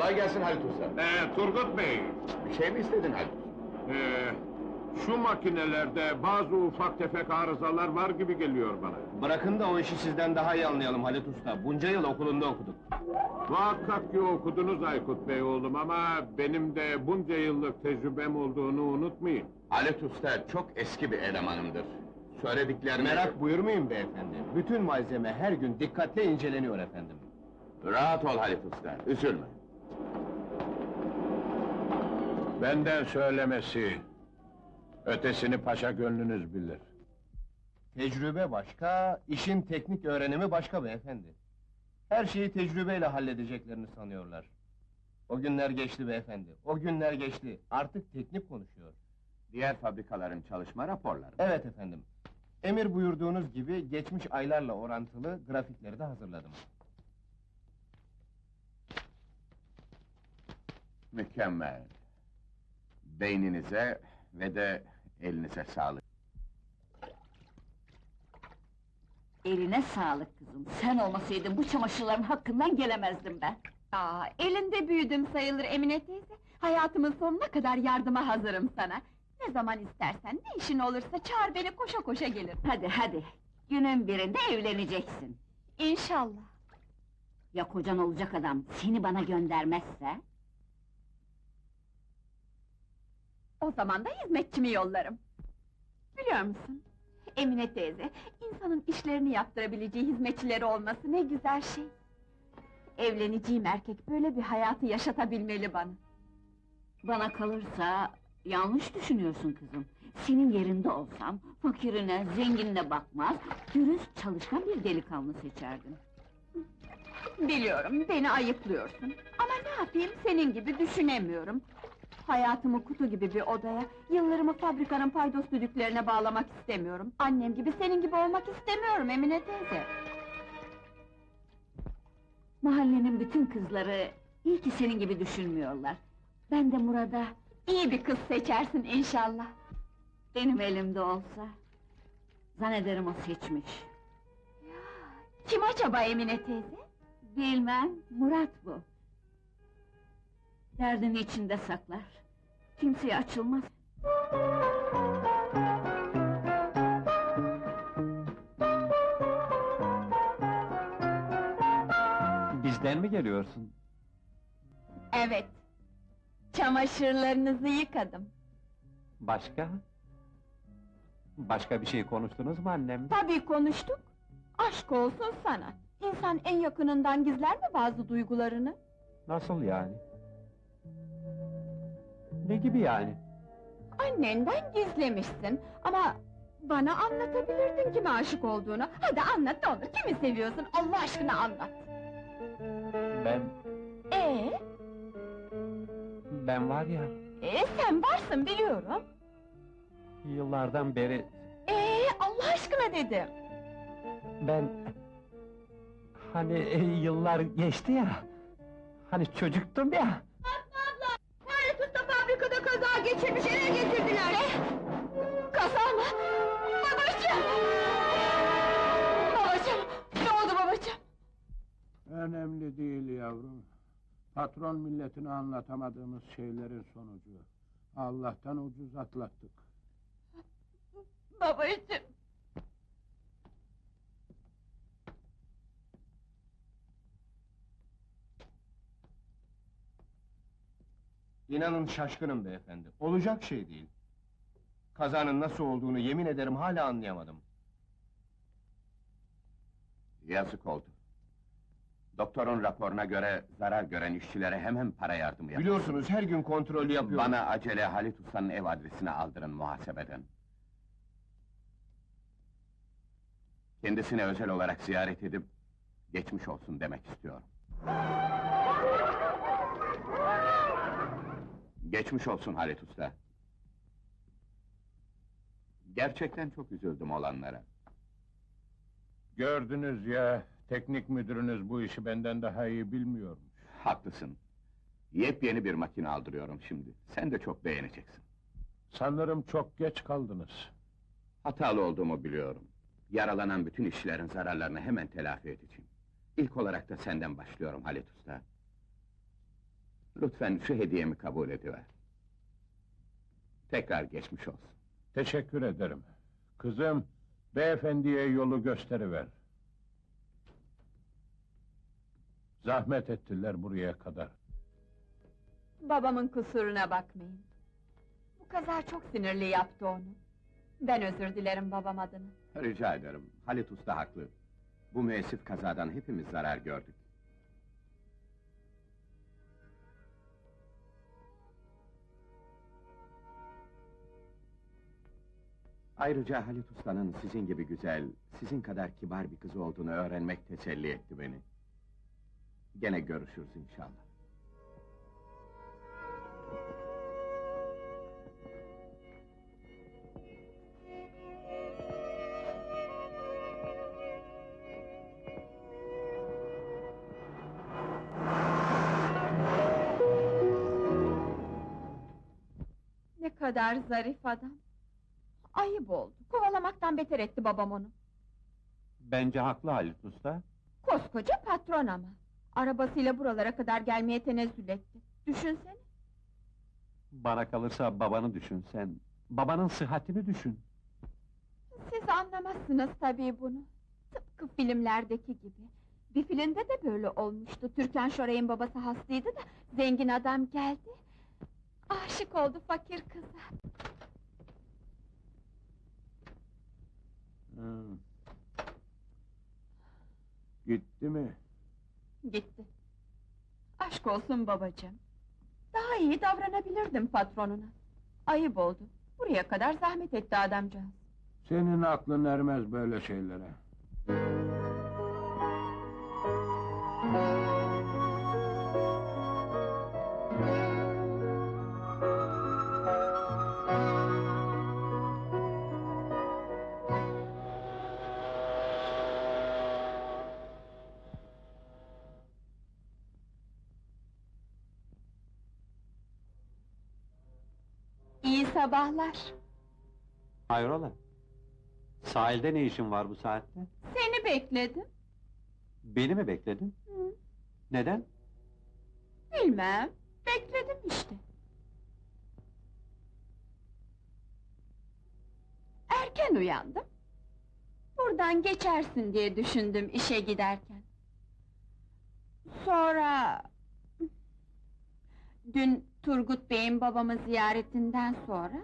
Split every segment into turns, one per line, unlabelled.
Kolay gelsin Halit Usta.
Turgut Bey,
Bir şey mi istedin Halit?
şu makinelerde bazı ufak tefek arızalar var gibi geliyor bana.
Bırakın da o işi sizden daha iyi anlayalım Halit Usta. Bunca yıl okulunda okuduk.
Muhakkak ki okudunuz Aykut Bey oğlum ama benim de bunca yıllık tecrübem olduğunu unutmayın.
Halit Usta çok eski bir elemanımdır. Söylediklerimi...
Merak buyurmayın beyefendi. Bütün malzeme her gün dikkatle inceleniyor efendim.
Rahat ol Halit Usta, üzülme.
Benden söylemesi, ötesini paşa gönlünüz bilir.
Tecrübe başka, işin teknik öğrenimi başka beyefendi. Her şeyi tecrübeyle halledeceklerini sanıyorlar. O günler geçti beyefendi, o günler geçti. Artık teknik konuşuyor.
Diğer fabrikaların çalışma raporları.
Evet efendim. Emir buyurduğunuz gibi geçmiş aylarla orantılı grafikleri de hazırladım.
Mükemmel. Beyninize ve de elinize sağlık.
Eline sağlık kızım. Sen olmasaydın bu çamaşırların hakkından gelemezdim ben.
Elinde büyüdüm sayılır Emine teyze. Hayatımın sonuna kadar yardıma hazırım sana. Ne zaman istersen, ne işin olursa çağır beni, koşa koşa gelirim.
Hadi hadi. Günün birinde evleneceksin.
İnşallah.
Ya kocan olacak adam seni bana göndermezse?
O zaman da hizmetçimi yollarım. Biliyor musun? Emine teyze, insanın işlerini yaptırabileceği hizmetçileri olması ne güzel şey. Evleneceğim erkek böyle bir hayatı yaşatabilmeli bana.
Bana kalırsa yanlış düşünüyorsun kızım. Senin yerinde olsam fakirine, zenginine bakmaz, dürüst çalışkan bir delikanlı seçerdim.
Biliyorum, beni ayıplıyorsun. Ama ne yapayım, senin gibi düşünemiyorum. Hayatımı kutu gibi bir odaya, yıllarımı fabrikanın paydos düdüklerine bağlamak istemiyorum. Annem gibi, senin gibi olmak istemiyorum Emine teyze.
Mahallenin bütün kızları iyi ki senin gibi düşünmüyorlar. Ben de Murat'a
İyi bir kız seçersin inşallah.
benim elimde olsa... Zannederim o seçmiş.
Kim acaba Emine teyze?
Bilmem, Murat bu. Derdini içinde saklar. Kimseye açılmaz.
Bizden mi geliyorsun?
Evet. Çamaşırlarınızı yıkadım.
Başka? Başka bir şey konuştunuz mu annemle?
Tabii konuştuk. Aşk olsun sana. İnsan en yakınından gizler mi bazı duygularını?
Nasıl yani? Ne gibi yani?
Annenden gizlemişsin ama... Bana anlatabilirdin kime aşık olduğunu. Hadi anlat ne olur, kimi seviyorsun Allah aşkına anlat.
Ben
Ee,
var ya,
sen varsın biliyorum.
yıllardan beri
Allah aşkına dedim.
ben... Hani yıllar geçti ya, hani çocuktum ya.
Fatma abla! Halit Usta fabrikada kaza geçirmiş, eve getirdiler! Ne? Kaza mı? Babacığım! Babacığım! Ne oldu babacığım?
Önemli değil yavrum. Patron milletine anlatamadığımız şeylerin sonucu. Allah'tan ucuz atlattık.
Babacığım!
İnanın şaşkınım beyefendi, olacak şey değil. Kazanın nasıl olduğunu yemin ederim hala anlayamadım.
Yazık oldu. Doktorun raporuna göre zarar gören işçilere hemen para yardımı yapın.
Biliyorsunuz her gün kontrol yapıyorum.
Bana acele Halit Usta'nın ev adresini aldırın muhasebeden. Kendisine özel olarak ziyaret edip... ...geçmiş olsun demek istiyorum. Geçmiş olsun Halit Usta. Gerçekten çok üzüldüm olanlara.
Gördünüz ya, teknik müdürünüz bu işi benden daha iyi bilmiyormuş.
Haklısın. Yepyeni bir makine aldırıyorum şimdi. Sen de çok beğeneceksin.
Sanırım çok geç kaldınız.
Hatalı olduğumu biliyorum. Yaralanan bütün işçilerin zararlarını hemen telafi edeceğim. İlk olarak da senden başlıyorum Halit Usta. Lütfen şu hediyemi kabul ediver. Tekrar geçmiş olsun.
Teşekkür ederim. Kızım, beyefendiye yolu gösteriver. Zahmet ettiler buraya kadar.
Babamın kusuruna bakmayın. Bu kaza çok sinirli yaptı onu. Ben özür dilerim babam adına.
Rica ederim, Halit Usta haklı. Bu müessif kazadan hepimiz zarar gördük. Ayrıca Halit Usta'nın sizin gibi güzel, sizin kadar kibar bir kız olduğunu öğrenmek teselli etti beni. Gene görüşürüz inşallah.
Ne kadar zarif adam. Ayıp oldu. Kovalamaktan beter etti babam onu.
Bence haklı Halit Usta.
Koskoca patron ama. Arabasıyla buralara kadar gelmeye tenezzül etti. Düşünsene.
Bana kalırsa babanı düşün sen. Babanın sıhhatini düşün.
Siz anlamazsınız tabii bunu. Tıpkı filmlerdeki gibi. Bir filmde de böyle olmuştu. Türkan Şoray'ın babası hastaydı da zengin adam geldi. Aşık oldu fakir kıza.
Gitti mi?
Gitti. Aşk olsun babacığım. Daha iyi davranabilirdim patronuna. Ayıp oldu. Buraya kadar zahmet etti adamcağız.
Senin aklın ermez böyle şeylere.
İyi sabahlar.
Hayrola? Sahilde ne işin var bu saatte?
Seni bekledim.
Beni mi bekledin?
Hı,
Neden?
bilmem. Bekledim işte. Erken uyandım. Buradan geçersin diye düşündüm işe giderken. Sonra... Dün Turgut Bey'in babamı ziyaretinden sonra...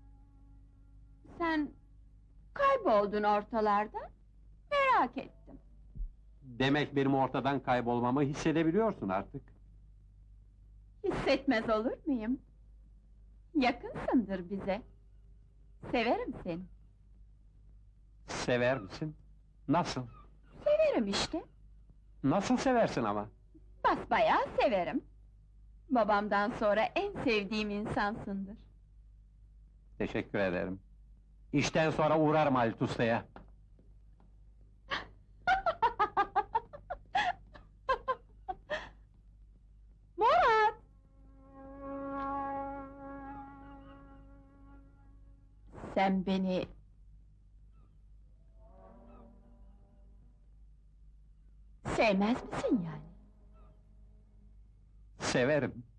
Sen kayboldun ortalardan, merak ettim.
Demek benim ortadan kaybolmamı hissedebiliyorsun artık.
Hissetmez olur muyum? Yakınsındır bize. Severim seni.
Sever misin? Nasıl?
Severim işte.
Nasıl seversin ama?
Basbayağı severim. Babamdan sonra en sevdiğim insansındır.
Teşekkür ederim. İşten sonra uğrarım Halit Usta'ya.
Murat! Sen beni... Sevmez misin yani?
Severim.